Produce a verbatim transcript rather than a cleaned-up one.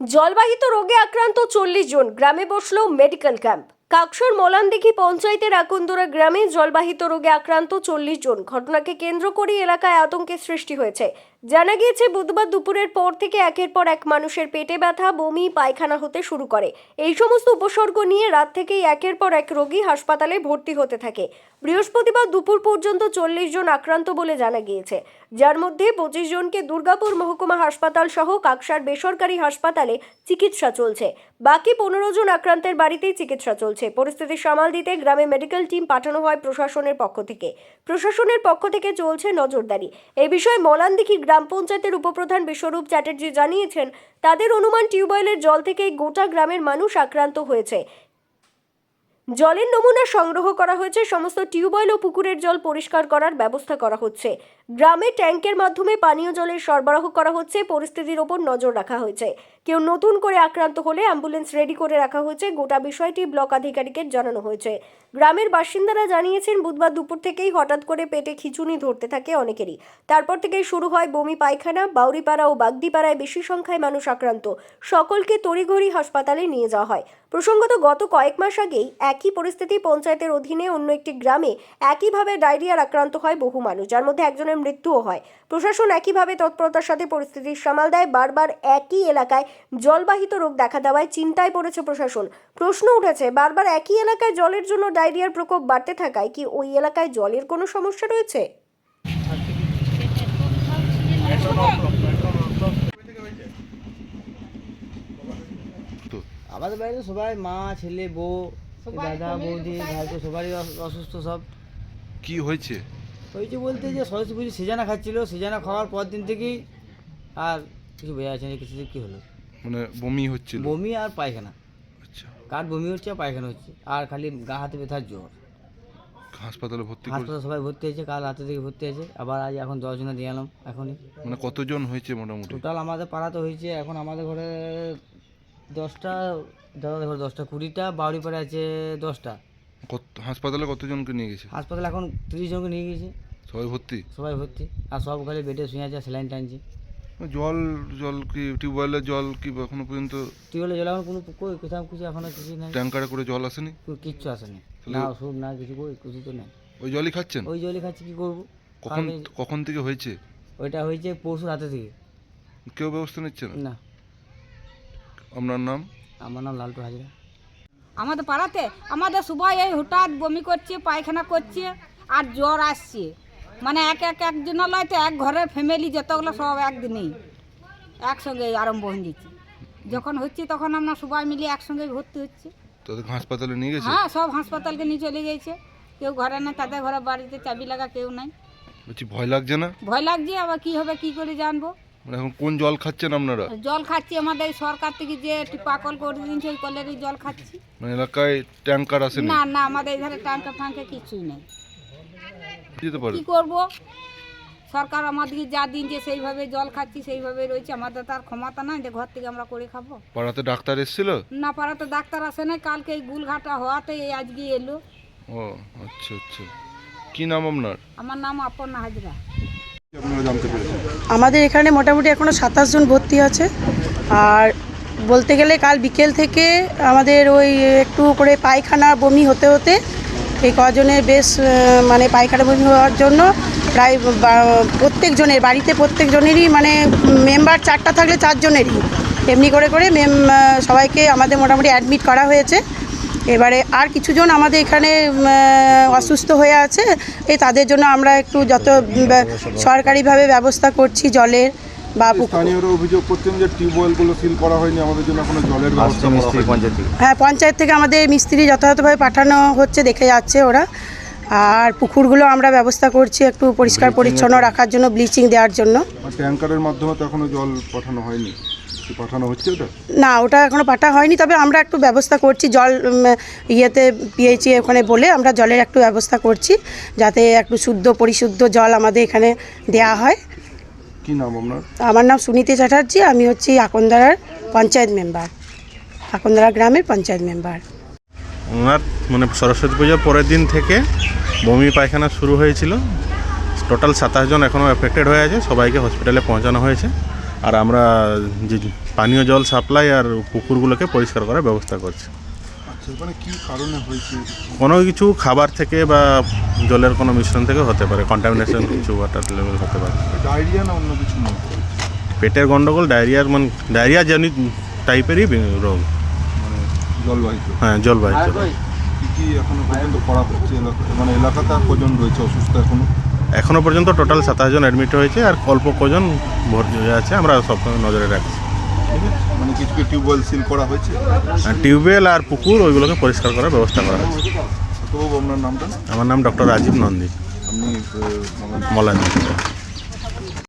জলবাহিত রোগে আক্রান্ত চল্লিশ জন, গ্রামে বসলো মেডিকেল ক্যাম্প। কাকসার মলানদিঘি পঞ্চায়েতের আকন্দরা গ্রামে জলবাহিত রোগে আক্রান্ত চল্লিশ জন। ঘটনাকে কেন্দ্র করে এলাকায় আতঙ্কের সৃষ্টি হয়েছে। জানা গিয়েছে বুধবার দুপুরের পর থেকে একের পর এক মানুষের পেটে ব্যথা, বমি, পায়খানা হতে শুরু করে। এই সমস্ত উপসর্গ নিয়ে রাত থেকেই একের পর এক রোগী হাসপাতালে ভর্তি হতে থাকে। বৃহস্পতিবার দুপুর পর্যন্ত চল্লিশ জন আক্রান্ত বলে জানা গিয়েছে, যার মধ্যে পঁচিশ জনকে দুর্গাপুর মহকুমা হাসপাতাল সহ কাকসার বেসরকারি হাসপাতালে চিকিৎসা চলছে। বাকি পনেরো জন আক্রান্তের বাড়িতেই চিকিৎসা চলছে। পরিস্থিতি সামাল দিতে গ্রামে মেডিকেল টিম পাঠানো হয় প্রশাসনের পক্ষ থেকে। প্রশাসনের পক্ষ থেকে চলছে নজরদারি। এই বিষয়ে মলানদিঘি গ্রাম পঞ্চায়েতের উপপ্রধান বিশ্বরূপ চ্যাটার্জি জানিয়েছেন, তাদের অনুমান টিউবওয়েলের জল থেকেই গোটা গ্রামের মানুষ আক্রান্ত হয়েছে। জলের নমুনা সংগ্রহ করা হয়েছে। সমস্ত টিউবওয়েল ও পুকুরের জল পরিষ্কার করার ব্যবস্থা করা হচ্ছে। গ্রামে ট্যাঙ্কের মাধ্যমে পানীয় জলের সরবরাহ করা হচ্ছে। পরিস্থিতির ওপর নজর রাখা হয়েছে। কেউ নতুন করে আক্রান্ত হলে অ্যাম্বুলেন্স রেডি করে রাখা হয়েছে। গোটা বিষয়টি ব্লক আধিকারিকের জানানো হয়েছে। গ্রামের বাসিন্দারা জানিয়েছেন, বুধবার দুপুর থেকেই হঠাৎ করে পেটে খিঁচুনি ধরতে থাকে অনেকেরই। তারপর থেকেই শুরু হয় বমি, পায়খানা। বাউরিপাড়া ও বাগদিপাড়ায় বেশি সংখ্যায় মানুষ আক্রান্ত। সকলকে তড়িঘড়ি হাসপাতালে নিয়ে যাওয়া হয়। প্রসঙ্গত, গত কয়েক মাস আগেই একই পরিস্থিতি পঞ্চায়েতের অধীনে অন্য একটি গ্রামে একইভাবে ডায়রিয়ার আক্রান্ত হয় বহু মানুষ, যার মধ্যে একজনের মৃত্যুও হয়। প্রশাসন একইভাবে তৎপরতার সাথে পরিস্থিতির সামাল দেয়। বারবার একই এলাকায় জলবাহিত রোগ দেখা দেওয়ায় চিন্তায় পড়েছে প্রশাসন। প্রশ্ন উঠেছে, বারবার একই এলাকায় জলের জন্য ডায়রিয়ার প্রকোপ বাড়তে থাকায় কি ওই এলাকায় জলের কোনো সমস্যা রয়েছে? আমাদের বাড়িতে সবাই মা, ছেলে, বউ, দাদা, বৌদি, ভাইপো সবারই অসুস্থ। সব কি হয়েছে হয়েছে বলতে যে সরস্বতী পুজো সিজানা খাচ্ছিল, সিজানা খাওয়ার পর দিন থেকেই আর কিছু বোঝা যাচ্ছে না কিছু কী হলো। মানে বমি হচ্ছিল? বমি আর পায়খানা। আচ্ছা, কার বমি হচ্ছে আর পায়খানা হচ্ছে, আর খালি গা হাতে ব্যথার জ্বর। হাসপাতালে ভর্তি করে? হাসপাতালে সবাই ভর্তি হয়েছে, কাল রাতে থেকে ভর্তি হয়েছে। আবার আজ এখন দশজনে দিয়ে এলাম এখনই। মানে কতজন হয়েছে মোটামুটি? টোটাল আমাদের পাড়াতে হয়েছে এখন আমাদের ঘরে দশটা, দাদাদের ঘরে দশটা, কুড়িটা, বাউরি পাড়ে আছে দশটা। কত হাসপাতালে কতজনকে নিয়ে গেছে? হাসপাতালে এখন তিরিশ জনকে নিয়ে গেছে। সবাই ভর্তি? সবাই ভর্তি, আর সব খালি বেডে শুয়ে আছে, স্যালাইন টানছে। জল জল কি টিউবওয়েলের জল কি এখনো পর্যন্ত? টিউবওয়েলের জল এখন কোনো কই কোথাও কিছু এখনো কিছু নাই। ট্যাঙ্কারে করে জল আসেনি? কিচ্ছু আসেনি, না ওষুধ না কিছু, কই কিছু তো নেই। ওই জলই খাচ্ছেন? ওই জলই খাচ্ছি, কী করবো। কখন কখন থেকে হয়েছে? ওইটা হয়েছে পরশু রাতে থেকে। কেউ ব্যবস্থা নিচ্ছে না? না। আপনার নাম? আমার নাম লালটু হাজরা। আমাদের পাড়াতে আমাদের সবাই এই হঠাৎ বমি করছে, পায়খানা করছে আর জ্বর আসছে। মানে এক এক একজন লয় তো এক ঘরের ফ্যামিলি যতগুলো সব একদিনেই একসঙ্গে আরম্ভ হয়ে যাচ্ছে। যখন হচ্ছে তখন আমরা সবাই মিলে একসঙ্গে ভর্তি হচ্ছে। তাদের হাসপাতালে নিয়ে গেছে? হ্যাঁ, সব হাসপাতালকে নিয়ে চলে গেছে। কেউ ঘরে নেই, তাদের ঘরে বাড়িতে চাবি লাগা কেউ নাই। বলছি ভয় লাগছে না? ভয় লাগছে, আবার কি হবে কি করে জানবো। মানে এখন কোন জল খাচ্ছেন আপনারা? জল খাচ্ছি আমাদের সরকার থেকে যে টিপাকল করে দিয়েছে, ওই কলেরই জল খাচ্ছি। মানে এলাকায় ট্যাঙ্কার আসেনি? না না, আমাদের এধারে ট্যাঙ্কা ফ্যাঙ্কা কিছুই নেই। যেতে পারে? কি করব, সরকার আমাদেরকে যা দিনছে সেইভাবে জল খাচ্ছি, সেইভাবে রয়েছে। আমাদের তার ক্ষমতা নাই যে ঘর থেকে আমরা করে খাবো। পাড়াতে ডাক্তার এসেছিল? না, পাড়াতে ডাক্তার আসে নাই। কালকে এই গুলঘাটা হওয়াতে এই আজকে এলো। ও আচ্ছা আচ্ছা। কি নাম আপনার? আমার নাম অপর্ণা হাজরা। আপনারা জানতে পেরেছেন? আমাদের এখানে মোটামুটি এখনও সাতাশ জন ভর্তি আছে। আর বলতে গেলে কাল বিকেল থেকে আমাদের ওই একটু করে পায়খানা বমি হতে হতে এই কজনের বেশ মানে পায়খানা বমি হওয়ার জন্য প্রায় প্রত্যেকজনের বাড়িতে প্রত্যেকজনেরই মানে মেম্বার চারটা থাকলে চারজনেরই এমনি করে করে মেম সবাইকে আমাদের মোটামুটি অ্যাডমিট করা হয়েছে। এবারে আর কিছুজন আমাদের এখানে অসুস্থ হয়ে আছে, এই তাদের জন্য আমরা একটু যত সরকারিভাবে ব্যবস্থা করছি জলের বা স্থানীয়রা অভিযোগ করছেন যে টিউবওয়েলগুলো সিল করা হয়নি, আমাদের জন্য কোনো জলের ব্যবস্থা করা হয়নি। হ্যাঁ, পঞ্চায়েত থেকে আমাদের মিস্ত্রি যথাযথভাবে পাঠানো হচ্ছে, দেখে যাচ্ছে ওরা। আর পুকুরগুলো আমরা ব্যবস্থা করছি একটু পরিষ্কার পরিচ্ছন্ন রাখার জন্য, ব্লিচিং দেওয়ার জন্য। ট্যাঙ্কারের মাধ্যমে তো এখনো জল পাঠানো হয়নি, পাঠানো হচ্ছে ওটা? না, ওটা এখনো পাঠা হয়নি, তবে আমরা একটু ব্যবস্থা করছি জল ইয়েতে পিএইচি ওখানে বলে আমরা জলের একটু ব্যবস্থা করছি যাতে একটু শুদ্ধ পরিশুদ্ধ জল আমাদের এখানে দেয়া হয়। কি নাম আপনার? আমার নাম সুনীতি চ্যাটার্জি, আমি হচ্ছি আকন্দরার পঞ্চায়েত মেম্বার, আকন্দরা গ্রামের পঞ্চায়েত মেম্বার। ওনার মানে সরস্বতী পূজার পরের দিন থেকে বমি পায়খানা শুরু হয়েছিল। টোটাল সাতাশ জন এখনও এফেক্টেড হয়ে আছে, সবাইকে হসপিটালে পৌঁছানো হয়েছে। আর আমরা যে পানীয় জল সাপ্লাই আর পুকুরগুলোকে পরিষ্কার করার ব্যবস্থা করছে। আচ্ছা, মানে কি কারণে হয়েছে? কোনো কিছু খাবার থেকে বা জলের কোনো মিশ্রণ থেকে হতে পারে, কন্টামিনেশন কিছু ওয়াটার লেভেল হতে পারে। ডায়রিয়া না অন্য কিছু মনে হচ্ছে? পেটের গন্ডগোল, ডায়রিয়ার মানে ডায়রিয়া জনিত টাইপেরই রোগ, মানে জলবাহিত। হ্যাঁ জলবাহিত রোগ। কি কি এখনো পর্যন্ত করা হচ্ছে এলাকা, মানে এলাকাতে আর কজন রয়েছে অসুস্থ এখনো? এখনও পর্যন্ত টোটাল সাতাশ জন অ্যাডমিট হয়েছে আর অল্প কজন ভর্তি হয়ে আছে, আমরা সবসময় নজরে রাখছি। ঠিক আছে, মানে কিছু কি টিউবওয়েল সিল করা হয়েছে? আর টিউবওয়েল আর পুকুর ওইগুলোকে পরিষ্কার করার ব্যবস্থা করা হয়েছে। তো আপনার নামটা? আমার নাম ডক্টর রাজীব নন্দী, আপনি আহ, মানে মলান।